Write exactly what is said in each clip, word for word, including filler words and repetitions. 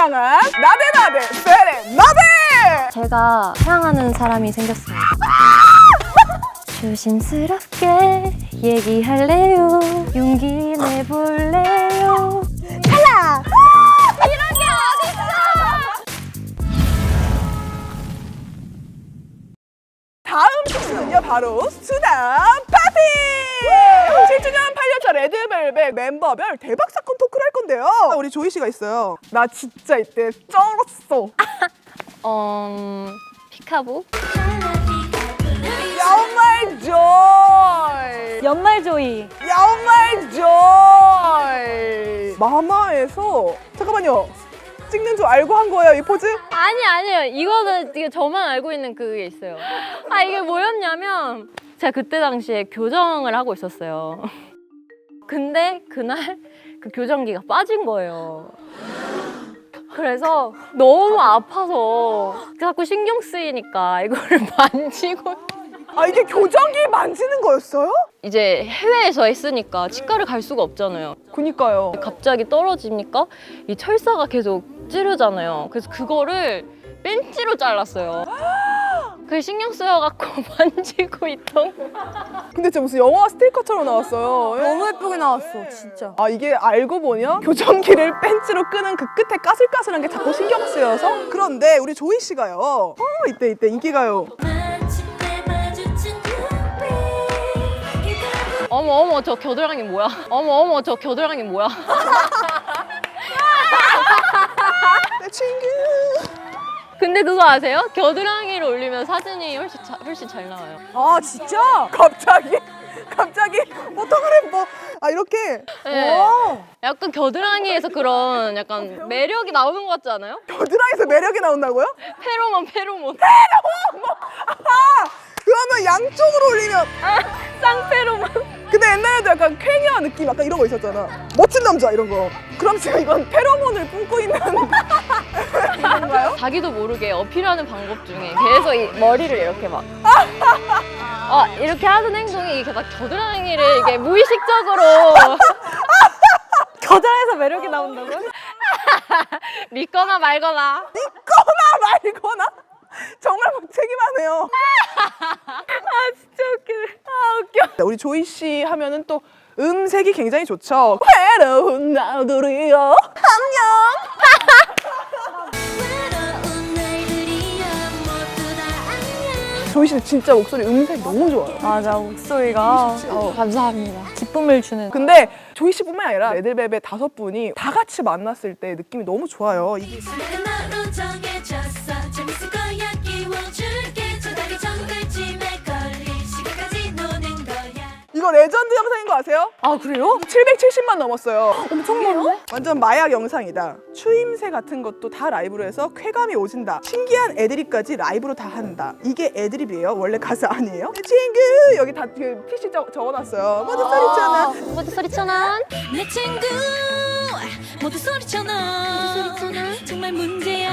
향한 나대나대 세레나데! 제가 사랑하는 사람이 생겼습니다. 조심스럽게 얘기할래요. 용기 내볼래요. 탈락! 이런 게 어딨어! 다음 코스는요 바로 수다 파티! 칠 주년 팔 년차 레드벨벳 멤버별 대박 사건 토크를 할 건데요. 우리 조이 씨가 있어요. 나 진짜 이때 쩔었어. 어... 피카보? 연말 조이! 연말 조이. 연말 조이! 마마에서 잠깐만요. 찍는 줄 알고 한 거예요, 이 포즈? 아니 아니요. 이거는 이게 저만 알고 있는 그게 있어요. 아 이게 뭐였냐면 제가 그때 당시에 교정을 하고 있었어요. 근데 그날 그 교정기가 빠진 거예요. 그래서 너무 아파서 자꾸 신경 쓰이니까 이거를 만지고 아, 이게 교정기 만지는 거였어요? 이제 해외에서 했으니까 치과를 갈 수가 없잖아요. 그니까요. 갑자기 떨어지니까 이 철사가 계속 찌르잖아요. 그래서 그거를 벤치로 잘랐어요. 그게 신경 쓰여갖고 만지고 있던 거. 근데 진짜 무슨 영화 스티커처럼 나왔어요. 너무 예쁘게 나왔어, 진짜. 아, 이게 알고 보면 교정기를 벤치로 끄는 그 끝에 까슬까슬한 게 자꾸 신경 쓰여서. 그런데 우리 조이 씨가요. 어, 이때 이때 인기가요. 어머 어머 저 겨드랑이 뭐야? 어머 어머 저 겨드랑이 뭐야? 내 친구. 근데 그거 아세요? 겨드랑이를 올리면 사진이 훨씬, 자, 훨씬 잘 나와요. 아, 진짜? 갑자기? 갑자기? 포토그램 뭐, 아, 이렇게? 네. 와. 약간 겨드랑이에서 그런 약간 매력이 나오는 것 같지 않아요? 겨드랑이에서 매력이 나온다고요? 페로몬 페로몬. 아, 그러면 양쪽으로 올리면. 쌍페로몬. 근데 옛날에도 약간 쾌녀 느낌 약간 이런 거 있었잖아. 멋진 남자 이런 거. 그럼 지금 이건 페로몬을 뿜고 있는 건가요? 자기도 모르게 어필하는 방법 중에 계속 이 머리를 이렇게 막 어, 이렇게 하는 행동이 이게 막 겨드랑이를 이게 무의식적으로 겨드랑이에서 매력이 나온다고요? 믿거나 말거나. 믿거나 말거나? 정말 무책임하네요. 아 진짜 웃기네. 아 웃겨. 우리 조이 씨 하면은 또 음색이 굉장히 좋죠. 외로운 나들이여 안녕. 조이 씨는 진짜 목소리 음색 너무 좋아요. 맞아, 목소리가 어, 감사합니다. 기쁨을 주는. 근데 조이 씨뿐만 아니라 레드벨벳 다섯 분이 다 같이 만났을 때 느낌이 너무 좋아요. 이게 이거 레전드 영상인 거 아세요? 아, 그래요? 칠백칠십만 넘었어요. 엄청 많네? 완전 마약 영상이다. 추임새 같은 것도 다 라이브로 해서 쾌감이 오진다. 신기한 애드립까지 라이브로 다 한다. 이게 애드립이에요? 원래 가사 아니에요? 내 친구 여기 다 그 피씨 적, 적어놨어요. 모두 소리잖아. 모두 소리쳐난. 내 친구 모두 소리쳐 너 모두 소리쳐 너 정말 문제야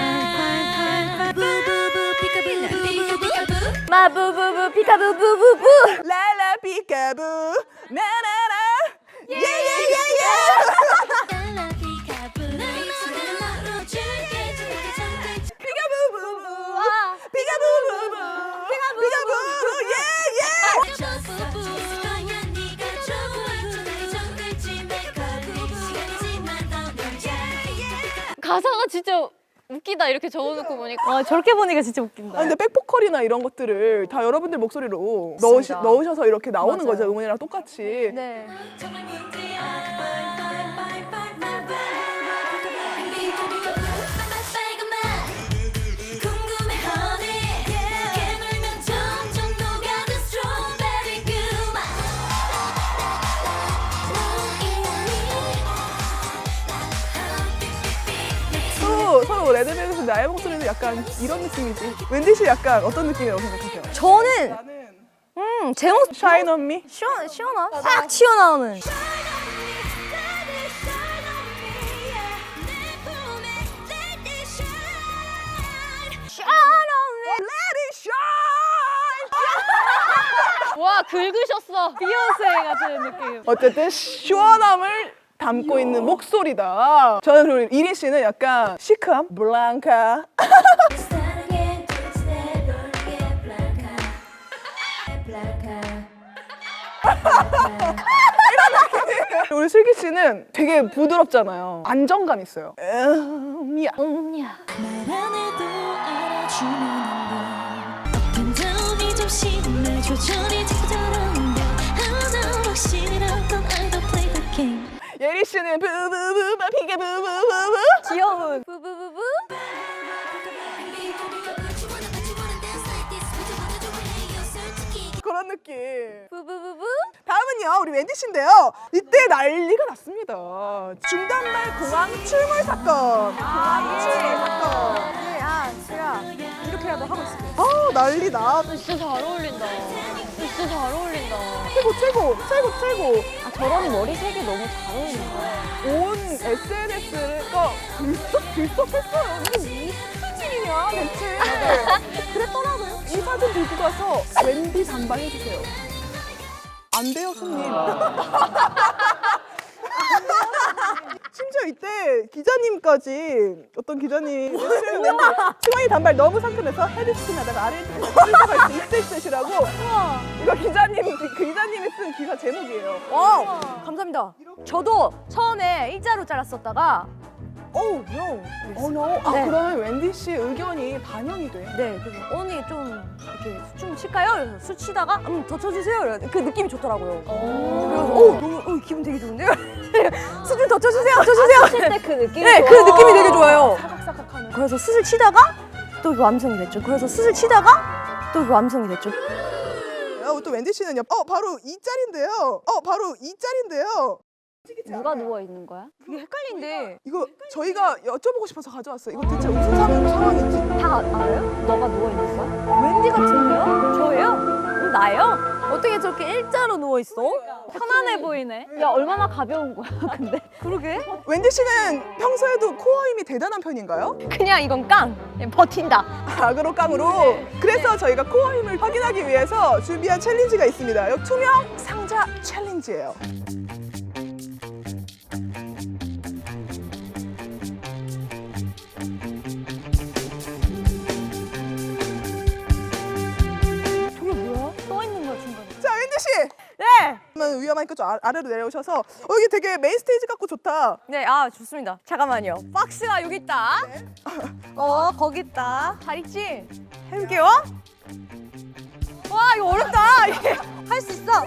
부부부 피카부 피카부 마부부부 피카부부부부. 라라 피카부 나나나 예예예예. 달라 피카부 나로 줄게 줄게 줄게 피카부부부 피카부부부 피카부부 예예. 부부 거야 네가 좋아 저날이 정글지 말고 시간이지만 더 놀자 가사가 진짜 웃기다 이렇게 적어놓고 보니까. 와, 저렇게 보니까 진짜 웃긴다. 아, 근데 백보컬이나 이런 것들을 다 여러분들 목소리로 넣으시, 넣으셔서 이렇게 나오는 맞아요. 거죠. 음원이랑 똑같이. 네. 정말 문제야 궁금해 honey 깨물면 점점 녹아든 스트로베리 그맛 또 서로 레드벨벳의 나의 목소리는 약간 이런 느낌이지. wendy 씨 약간 어떤 느낌이라고 생각하세요? 저는, 나는 음, 제 모습 Shine on me. 시원, 시원하? 싹 튀어나오는. Let it shine. 와 긁으셨어. 비욘세 같은 느낌. 어쨌든 시원함을 담고 있는 목소리다. 저는 그리고 이린 씨는 약간 시크함, 블랑카. 사랑해 둘셋 올게 블랑카 블랑카 우리 슬기 씨는 되게 부드럽잖아요. 안정감 있어요. 음, 야. 음야. 말 안 해도 알아주는 건 어떤 점이 좀 심해 조절이 되더라는데 하나 확실한 건 I don't play the game 예리 씨는 부부부 피게 부부부부. 귀여운 부부부부. 그런 느낌. 부부부부. 다음은요, 우리 웬디 씨인데요. 이때 난리가 났습니다. 중단말 공항 출몰 사건. 공항 출몰 사건. 네, 아, 제가 이렇게라도 하고 있습니다. 아, 난리 나. 진짜 잘 어울린다. 진짜 잘 어울린다. 최고, 최고, 최고, 최고. 아 저런 머리색이 너무 잘 어울린다. 온 에스엔에스가 들썩 들썩했어요. 이게 무슨 일이냐 대체. 그랬더라고요. 이 사진 들고 가서 웬디 단발해주세요. 안 돼요 손님. 심지어 이때 기자님까지 어떤 기자님이 승환이 단발 너무 상큼해서 헤드스핀 하다가 아래로 끌려갈 수 있을 듯이라고. 이거 기자님 그 기자님이 쓴 기사 제목이에요. 와, 감사합니다. 저도 처음에 일자로 잘랐었다가 Oh no. Oh no. 아 네. 그러면 웬디 씨 의견이 반영이 돼. 네, 그래서 언니 좀 이렇게 춤 칠까요? 그래서 술 치다가 음, 더 쳐주세요. 이래서 그 느낌이 좋더라고요. 그래서 오, 너무 어, 기분 되게 좋은데요? 수준 더 쳐주세요, 쳐주세요. 칠 때 그 느낌이 네, 좋아. 그 느낌이 되게 좋아요. 사각사각하는. 그래서 수술 치다가 또 그 완성이 됐죠. 그래서 수술 치다가 또 그 완성이 됐죠. 어, 또 웬디 씨는요. 어 바로 이 짤인데요. 어 바로 이 짤인데요. 누가 누워 있는 거야? 그게 헷갈린데 이거 저희가 여쭤보고 싶어서 가져왔어요. 이거 대체 무슨 상황, 상황인지. 다 알아요? 너가 누워 있는 거야? 웬디 같은데요? 저예요? 음, 나예요? 어떻게 저렇게 일자로 누워 있어? 편안해 보이네. 야 얼마나 가벼운 거야 근데. 그러게. 웬디 씨는 평소에도 코어 힘이 대단한 편인가요? 그냥 이건 깡. 그냥 버틴다. 악으로 깡으로. 그래서 저희가 코어 힘을 확인하기 위해서 준비한 챌린지가 있습니다. 이 투명 상자 챌린지예요. 저게 뭐야? 떠 있는 거야 중간에. 자, 웬디 씨. 네. 그러면 위험하니까 좀 아- 아래로 내려오셔서 어, 여기 되게 메인 스테이지 같고 좋다. 네, 아 좋습니다. 잠깐만요. 박스가 여기 있다. 어, 거기 있다. 잘 있지? 해볼게요. 와, 이거 어렵다. 할 수 있어.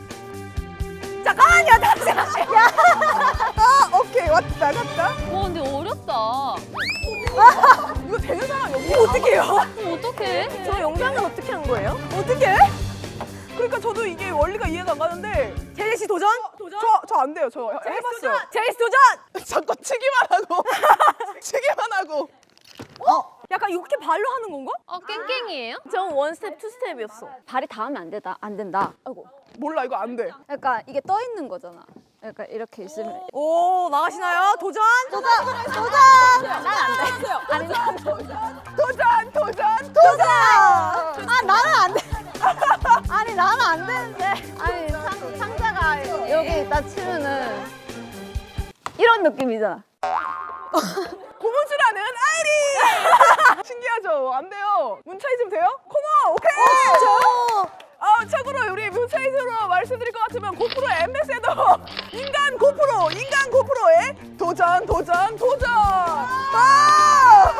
잠깐만요, 잠시만. 야, 아, 오케이. 왔다 갔다. 와 근데 어렵다. 이거 되는 사람 여기 이거 어떡해요? 그럼 어떡해? 저 영상은 어떻게 한 거예요? 어떻게? 그러니까 저도 이게 원리가 이해가 안 가는데 제리 씨 도전? 도전? 저 저 안 돼요. 저 해봤어요. 제리 씨 도전! 자꾸 치기만 하고 치기만 하고. 어? 약간 이렇게 발로 하는 건가? 어 깽깽이에요? 전 원스텝, 투스텝이었어. 발이 닿으면 안 된다. 안 된다. 아이고. 몰라 이거 안 돼. 그러니까 이게 떠 있는 거잖아. 그러니까 이렇게 있으면 오, 나가시나요? 도전? 도전! 도전! 난안 돼. 아니 난 도전 도전 도전. 도전! 아, 나는 안 돼. 아니, 나는 안 되는데. 아니 상, 상자가 여기 딱 치면은 이런 느낌이잖아. 고무줄하는 아이리. 신기하죠? 안 돼요. 문차이즘 돼요? 코너 오케이. 진짜요? 아 참고로 우리 문차이즘으로 말씀드릴 것 같으면 고프로 엠베세더 인간 고프로 인간 고프로의 도전 도전 도전. 와!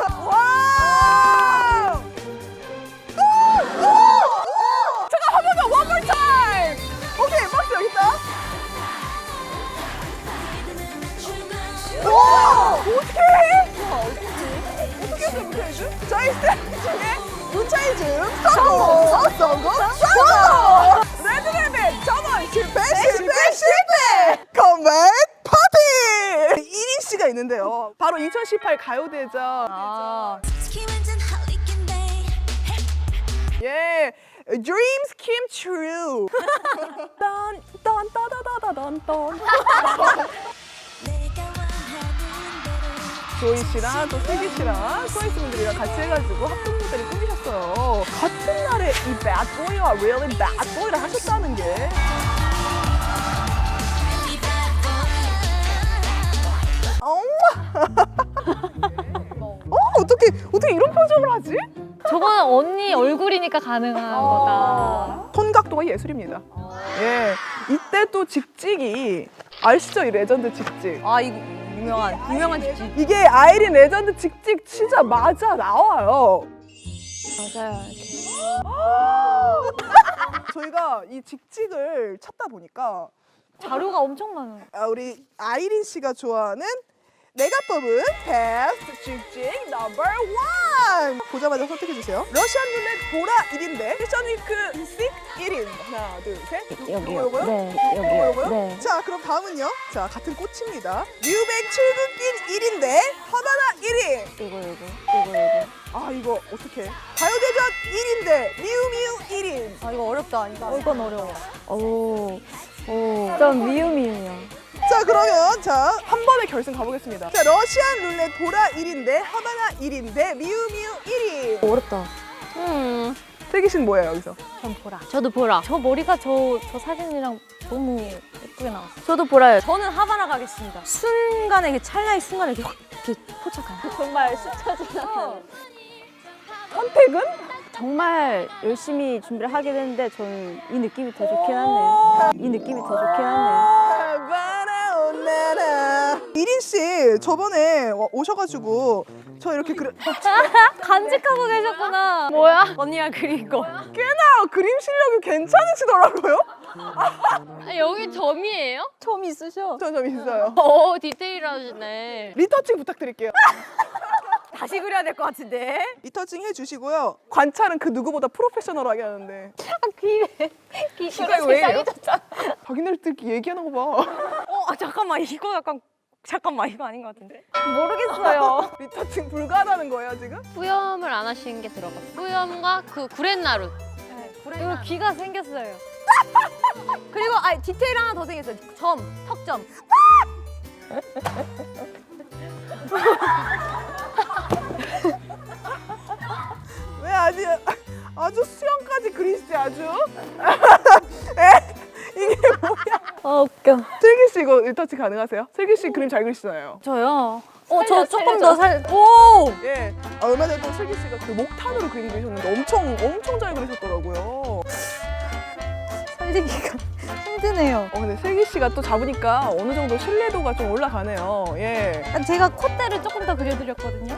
와! 오! 오! 잠깐 한 번 더 one more time. 오케이 박스 여기 있다. 와! 어떻게 해? 어떻게 했어 문차이즘? 저희 스텝 중에 문차이즘 성공! 성공! 성공! 레드벨벳 저번 실패 실패 실패! 컴백 파티! 이린 씨가 있는데요. 바로 이천십팔 가요대전. 아, 특히 완전 홀리겐데 예, Dreams Came True. 딴, 딴, 따다다다단, 딴. 내가 원하는 대로 조이 씨랑 또 슬기 씨랑 트와이스 분들이랑 같이 해가지고 합동 무대를 꾸미셨어요. 같은 날에 이 Bad Boy와 Really Bad Boy를 하셨다는 게. Really bad boy 어 어떻게 어떻게 이런 표정을 하지? 저거는 언니 얼굴이니까 가능한 거다. 손 각도가 예술입니다. 예, 이때 또 직직이 아시죠? 이 레전드 직직. 아 이거 유명한 유명한 직직. 이게 아이린 레전드 직직 진짜 맞아 나와요. 맞아요. 저희가 이 직직을 찾다 보니까 자료가 엄청 많아요. 아, 우리 아이린 씨가 좋아하는 내가 뽑은 베스트 직직 넘버 원 보자마자 선택해 주세요. 러시안 룰렛 보라 일 인데 패션 위크 식 일 인 하나 둘셋 여기요. 요거요? 네, 요거, 여기요. 요거요? 네. 자 그럼 다음은요. 자 같은 꽃입니다. 뮤백 출근길 일 인데 하바나 일 인. 이거 이거 이거 이거. 아 이거 어떡해. 가요대전 일 인데 미우미우 일 인. 아 이거 어렵다. 이거. 어, 이건 어려워. 오, 오. 좀 미음이에요. 자 그러면 자 한 번에 결승 가보겠습니다. 자 러시안 룰렛 보라 일 인데 하바나 일 인데 미우미우 일 인. 어렵다. 음. 슬기 씨는 뭐예요 여기서? 전 보라. 저도 보라. 저 머리가 저, 저 사진이랑 너무 예쁘게 나왔어요. 저도 보라요. 저는 하바나 가겠습니다. 순간에 이게 찰나의 순간에 이렇게 확 이렇게 포착한. 정말 스쳐 지나가는. 선택은? 정말 열심히 준비를 하긴 했는데 저는 이 느낌이 더 좋긴 하네요. 이 느낌이 더 좋긴 하네요. 하바나 온나라. 이린 씨 저번에 와- 오셔가지고 저 이렇게 그려 간직하고 계셨구나. 뭐야? 언니가 그린 거. 꽤나 그림 실력이 괜찮으시더라고요. 아, 여기 점이에요? 처음 있으셔. 저 좀 있어요. 오, 디테일하시네. 리터칭 부탁드릴게요. 다시 그려야 될 것 같은데. 리터칭 해주시고요. 관찰은 그 누구보다 프로페셔널하게 하는데. 귀에 귀 시간이 왜 이래요? 자기네들끼리 얘기하는 거 봐. 어 아, 잠깐만 이거 약간 잠깐만 이거 아닌 것 같은데. 모르겠어요. 리터칭 불가하다는 거예요 지금? 뿌염을 안 하시는 게 들어갔어요. 뿌염과 그 구렛나루. 그리고 귀가 생겼어요. 그리고 아 디테일 하나 더 생겼어요. 점, 턱점. 왜 아주 아주 수영까지 그리시지 아주? 에? 이게 뭐야? 아 웃겨. 슬기 씨 이거 리터칭 가능하세요? 슬기 씨 그림 잘 그리시잖아요. 저요. 어 저 살려, 조금 살려줘. 더 살. 오. 예. 아, 얼마 전에 또 슬기 씨가 그 목탄으로 그림 그리셨는데 엄청 엄청 잘 그리셨더라고요. 살리기가 힘드네요. 어 근데 슬기 씨가 또 잡으니까 어느 정도 신뢰도가 좀 올라가네요. 예. 제가 콧대를 조금 더 그려드렸거든요.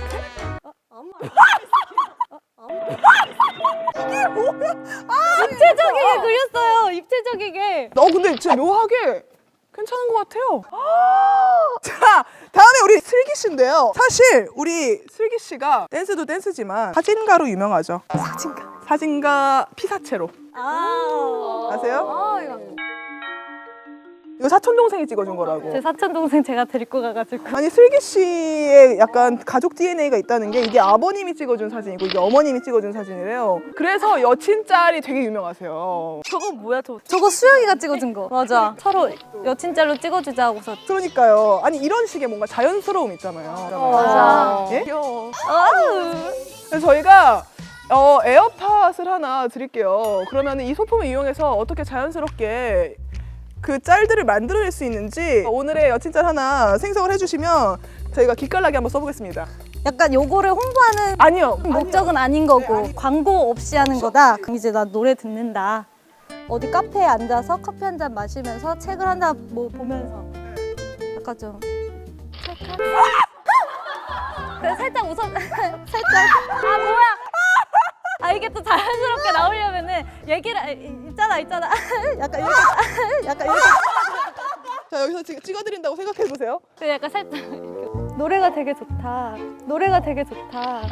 입체적이게 그렸어요. 입체적이게. 어 근데 진짜 묘하게 괜찮은 것 같아요. 자 다음에 우리 슬기 씨인데요. 사실 우리 슬기 씨가 댄스도 댄스지만 사진가로 유명하죠. 사진가. 사진가 피사체로 아. 아세요? 아 이거. 이거 사촌 동생이 찍어준 거라고. 제 사촌 동생 제가 데리고 가가지고. 아니 슬기 씨의 약간 가족 디엔에이가 있다는 게 이게 아버님이 찍어준 사진이고 이게 어머님이 찍어준 사진이래요. 그래서 여친 짤이 되게 유명하세요. 저거 뭐야 저? 저거 수영이가 찍어준 거. 맞아. 서로 여친짤로 찍어주자 하고서. 그러니까요. 아니 이런 식의 뭔가 자연스러움 있잖아요. 맞아. 예? 귀여워. 그래서 저희가 어, 에어팟을 하나 드릴게요. 그러면 이 소품을 이용해서 어떻게 자연스럽게 그 짤들을 만들어낼 수 있는지 오늘의 여친 짤 하나 생성을 해주시면 저희가 기깔나게 한번 써보겠습니다. 약간 요거를 홍보하는 아니요. 목적은 아닌 거고 네, 아니- 광고 없이 하는 거다. 그럼 이제 나 노래 듣는다. 어디 카페에 앉아서 커피 한 잔 마시면서 책을 한 잔 뭐 보면서 약간 좀 그래 살짝 웃어 살짝 아 뭐야? 아 이게 또 자연스럽게 나오려면은 얘기를 아, 있잖아 있잖아. 약간 이렇게 약간 이렇게 자 여기서 지금 찍어드린다고 생각해보세요. 그 약간 살짝 노래가 되게 좋다. 노래가 되게 좋다.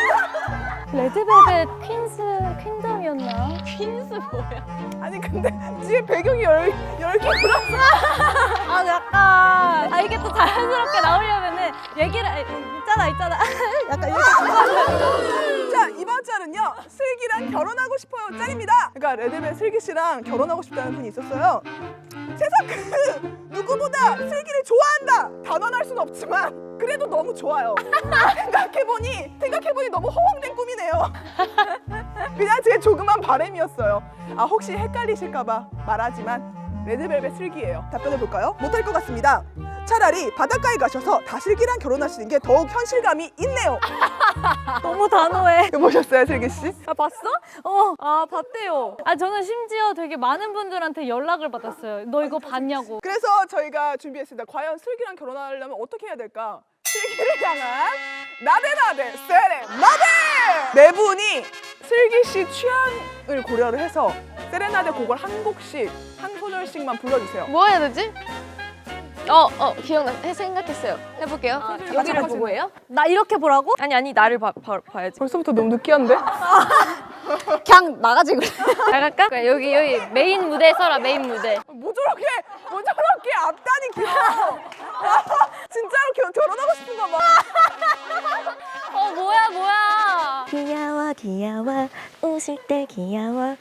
레드벨벳 퀸스 퀸덤이었나? 퀸스 뭐야? 아니 근데 뒤에 배경이 열, 열개 불었어. 아 약간 아 이게 또 자연스럽게 나오려면은 얘기를 아, 있잖아 있잖아. 약간 이렇게 자 이번 짤은요 슬기랑 결혼하고 싶어요 짤입니다. 그러니까 레드벨 슬기 씨랑 결혼하고 싶다는 분이 있었어요. 세상 그 누구보다 슬기를 좋아한다 단언할 순 없지만 그래도 너무 좋아요. 생각해보니 생각해보니 너무 허황된 꿈이네요. 그냥 제 조그만 바람이었어요. 아 혹시 헷갈리실까봐 말하지만 레드벨벳 슬기예요. 답변해 볼까요? 못할 것 같습니다. 차라리 바닷가에 가셔서 다슬기랑 결혼하시는 게 더욱 현실감이 있네요. 너무 단호해. 보셨어요, 슬기 씨? 아, 봤어? 어, 아, 봤대요. 아, 저는 심지어 되게 많은 분들한테 연락을 받았어요. 너 이거 봤냐고. 그래서 저희가 준비했습니다. 과연 슬기랑 결혼하려면 어떻게 해야 될까? 슬기를 향한 나대나대 세레나데! 네 분이 슬기 씨 취향을 고려를 해서 세레나데 곡을 한 곡씩 한 소절씩만 불러주세요. 뭐 해야 되지? 어, 어, 기억나. 해, 생각했어요. 해볼게요. 아, 여기를 보고 해요? 나 이렇게 보라고? 아니, 아니, 나를 봐, 봐, 봐야지. 벌써부터 너무 느끼한데? 그냥 나가지 그래. 나갈까? 그래, 여기 여기 메인 무대 써라 메인 무대. 뭐 저렇게 뭐 저렇게 앞단이 길어? 진짜로 결, 결혼하고 싶은가 봐. 어 뭐야 뭐야. 귀여워 귀여워 웃을 때 귀여워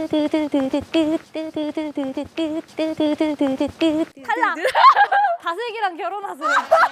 뚜두두두두뚜뚜두두두뚜뚜두두두뚜 탈락. 다슬기랑 결혼하세요.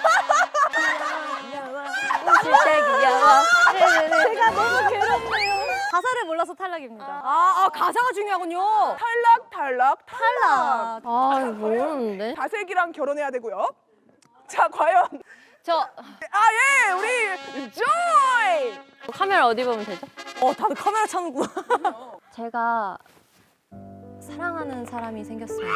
웃을 때 귀여워 제가 너무 괴롭네요. 가사를 몰라서 탈락입니다. 아, 아 가사가 중요하군요. 탈락 탈락 탈락. 탈락. 아 이거 모르는데. 다슬기랑 결혼해야 되고요. 자 과연 저 아예 우리 조이. 카메라 어디 보면 되죠? 어, 다들 카메라 찾는구나. 제가 사랑하는 사람이 생겼습니다.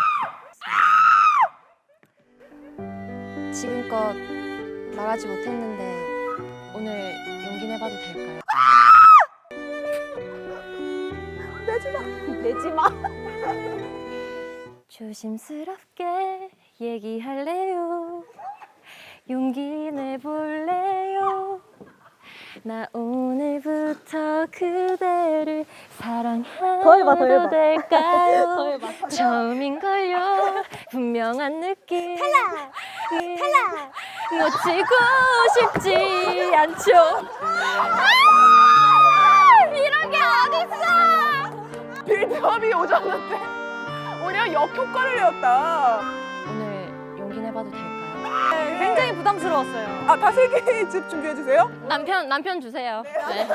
지금껏 말하지 못했는데 오늘 용기 내봐도 될까요? 내지 마. 내지 마. 조심스럽게 얘기할래요. 용기 내볼래요. 나 오늘부터 그대를 더 해봐, 더 해봐. 사랑해도 될까요? 처음인걸요. 분명한 느낌. 탈락! 탈락! 놓치고 싶지 않죠. 아! 이런 게 어딨어! 빌드업이 오졌는데 오히려 역효과를 내었다. 오늘 용기 내봐도 될까요? 굉장히 부담스러웠어요. 아 다슬기 집 준비해 주세요. 남편 남편 주세요. 네.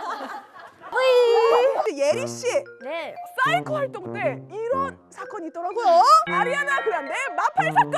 예리 씨 네. 사이코 활동 때 이런 사건이 있더라고요. 아리아나 그란데 마팔 사건.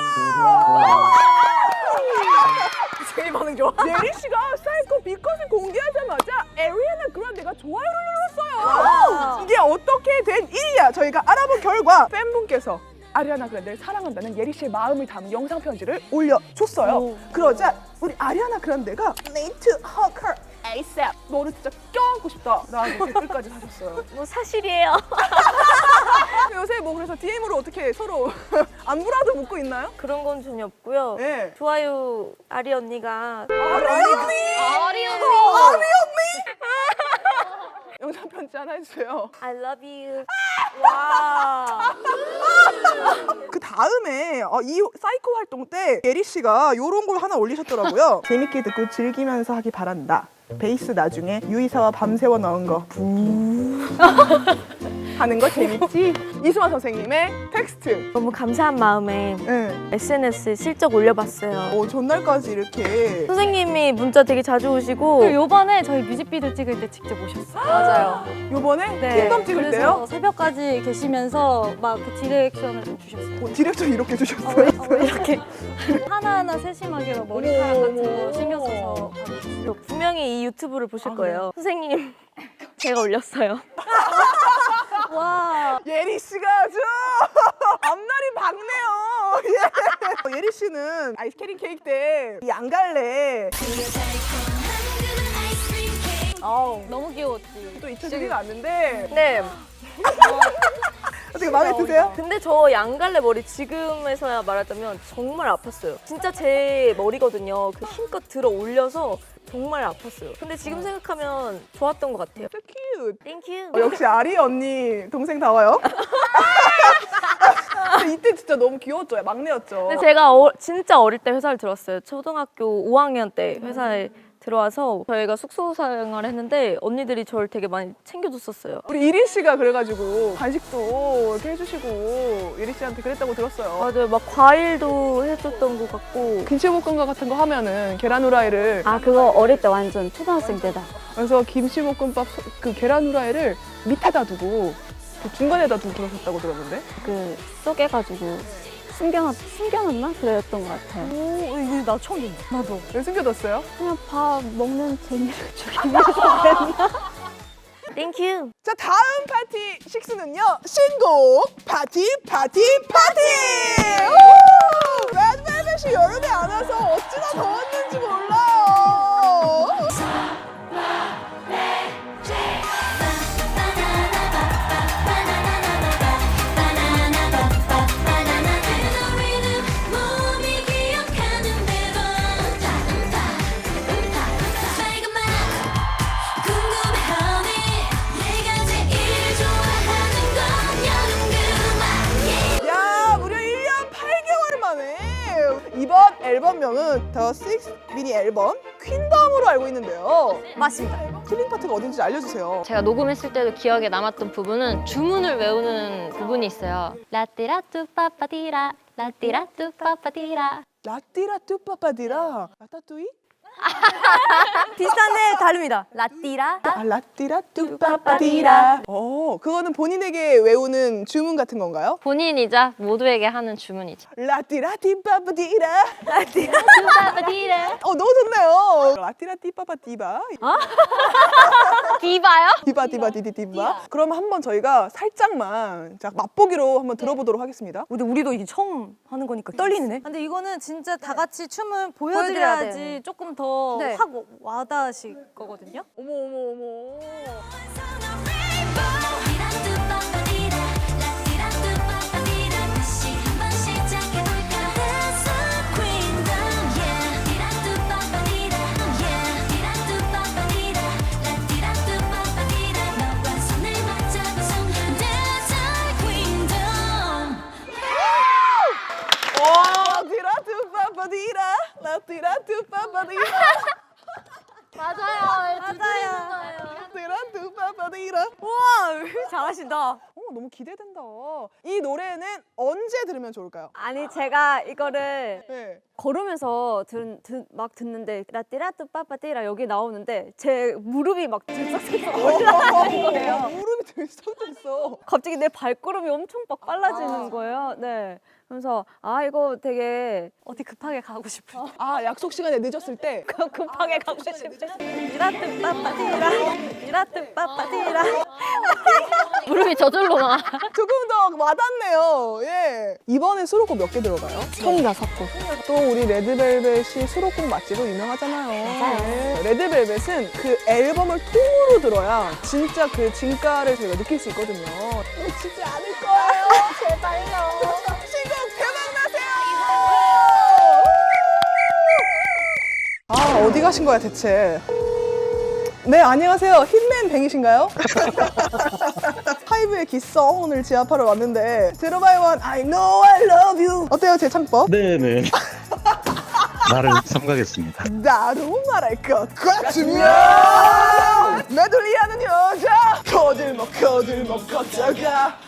제일 반응 좋아. 예리 씨가 사이코 비컷을 공개하자마자 아리아나 그란데가 좋아요를 눌렀어요. 이게 어떻게 된 일이야? 저희가 알아본 결과 팬분께서 아리아나 그란데를 사랑한다는 예리 씨의 마음을 담은 영상 편지를 올려줬어요. 그러자 우리 아리아나 그란데가 Need to hug her ASAP. 너를 진짜 껴안고 싶다. 라고 댓글까지 하셨어요. 뭐 사실이에요. 요새 뭐 그래서 디엠으로 어떻게 서로 안부라도 묻고 있나요? 그런 건 전혀 없고요. 네. 좋아요 아리 언니가 아리 언니! 아리 언니. 아리 언니! 영상 편지 하나 해주세요. I love you. 와. 그 다음에 어, 이 사이코 활동 때 예리 씨가 이런 걸 하나 올리셨더라고요. 재밌게 듣고 즐기면서 하기 바란다. 베이스 나중에 유이사와 밤새워 넣은 거 부 하는 거 재밌지? 이수만 선생님의 텍스트. 너무 감사한 마음에 네. 에스엔에스에 슬쩍 올려봤어요. 어, 전날까지 이렇게 선생님이 문자 되게 자주 오시고 그리고 요번에 저희 뮤직비디오 찍을 때 직접 오셨어요. 맞아요. 요번에 네. 킹덤 찍을 그래서 때요? 새벽까지 계시면서 막 그 디렉션을 좀 주셨어요. 어, 디렉터 이렇게 주셨어요. 어, 이렇게 하나하나 세심하게 막 머리카락 같은 거 신경 써서 봐주셨어요. 분명히 이 유튜브를 보실 거예요. 선생님 제가 올렸어요. 와. 예리 씨가 아주 앞날이 밝네요. 예. 예리 씨는 아이스크림 케이크 때 이 안 갈래 아우. 너무 귀여웠지. 또 잊혀지지가 않는데 네. 어떻게 마음에 드세요? 근데 저 양갈래 머리 지금에서야 말하자면 정말 아팠어요. 진짜 제 머리거든요. 그 힘껏 들어 올려서 정말 아팠어요. 근데 지금 생각하면 좋았던 것 같아요. So cute. 땡큐. 어, 역시 아리 언니 동생 다워요. 근데 이때 진짜 너무 귀여웠죠. 막내였죠. 근데 제가 어, 진짜 어릴 때 회사를 들어왔어요. 초등학교 오 학년 때 회사에 들어와서 저희가 숙소 생활을 했는데 언니들이 저를 되게 많이 챙겨줬었어요. 우리 이리 씨가 그래가지고 간식도 이렇게 해주시고 예리 씨한테 그랬다고 들었어요. 맞아요. 막 과일도 해줬던 것 같고. 김치볶음밥 같은 거 하면은 계란 후라이를 아 그거 어릴 때 완전 초등학생 때다. 그래서 김치볶음밥 소- 그 계란 후라이를 밑에다 두고 그 중간에다 두고 그러셨다고 들었는데. 그 쪼개가지고 숨겨놨, 숨겨놨나? 그랬던 것 같아요. 오, 이거 나 처음 듣는. 나도. 왜 숨겨뒀어요? 그냥 밥 먹는 재미를 주기 위해서 그랬나? 땡큐. 자, 다음 파티 식수는요. 신곡 파티 파티 파티! 우! 레드벨벳이 여름에 안 와서 어찌나 더웠는지 몰라요. 몸이 기억하는 대로 궁금해하니 내가 제일 좋아하는 건 여름 그만 야, 무려 일 년 팔 개월 만에 이번 앨범명은 더 식스 미니 앨범 퀸덤으로 알고 있는데요. 맞습니다. 킬링 파트가 어딘지 알려주세요. 제가 녹음했을 때도 기억에 남았던 부분은 주문을 외우는 부분이 있어요. 라띠라뚜 빠빠디라 라띠라뚜 빠빠디라. 라띠라 뚜빠빠디라 라따뚜이? 비슷한데 다릅니다. 라띠라. 아, 라띠라 뚜빠빠디라. 어, 그거는 본인에게 외우는 주문 같은 건가요? 본인이자 모두에게 하는 주문이죠. 라띠라 띠빠빠디라. 빠빠디라. 어, 너무 좋네요. 라띠라 띠빠빠디바. 디바요? 디바 디바 디디 디바. 그럼 한번 저희가 살짝만 자, 맛보기로 한번 들어보도록 하겠습니다. 근데 우리도 이게 처음 하는 거니까 떨리네. 근데 이거는 진짜 다 같이 춤을 보여드려야 보여드려야지 돼. 조금 더 네. 확 와닿으실 거거든요. 어머 어머 어머. 라띠라 뚜빠빠디라. 라띠라 뚜빠빠디라. 맞아요. 맞아요. 라띠라 뚜빠빠디라. 우와, 잘하신다. 어, 너무 기대된다. 이 노래는 언제 들으면 좋을까요? 아니 제가 이거를 네. 걸으면서 들, 들, 막 듣는데 라띠라뚜 빠빠띠라 여기 나오는데 제 무릎이 막 들썩들썩 올라가는 거예요. 무릎이 들썩들썩. 갑자기 내 발걸음이 엄청 막 빨라지는 거예요. 네. 그래서 아 이거 되게 어디 급하게 가고 싶을 때 아, 약속 시간에 늦었을 때. 급하게 가고 싶을 때 라띠라뚜 빠빠띠라 라띠라뚜 빠빠띠라 무릎이 저절로 나. 조금 더 와닿네요. 예. 이번에 수록곡 몇 개 들어가요? 총다섯 곡. 또 우리 레드벨벳이 수록곡 맛집으로 유명하잖아요. 네. 레드벨벳은 그 앨범을 통으로 들어야 진짜 그 진가를 저희가 느낄 수 있거든요. 놓치지 않을 거예요. 제발요. 신곡 대박 나세요. 아, 어디 가신 거야 대체? 네, 안녕하세요. hitman 뱅이신가요? 하이브의 기성을 지압하러 왔는데 들어봐요. 원 I know I love you. 어때요, 제 창법? 네네. 나를 삼가겠습니다. 나도 말할 것 같으면 메들리하는 여자 거들먹 거들먹 걷다가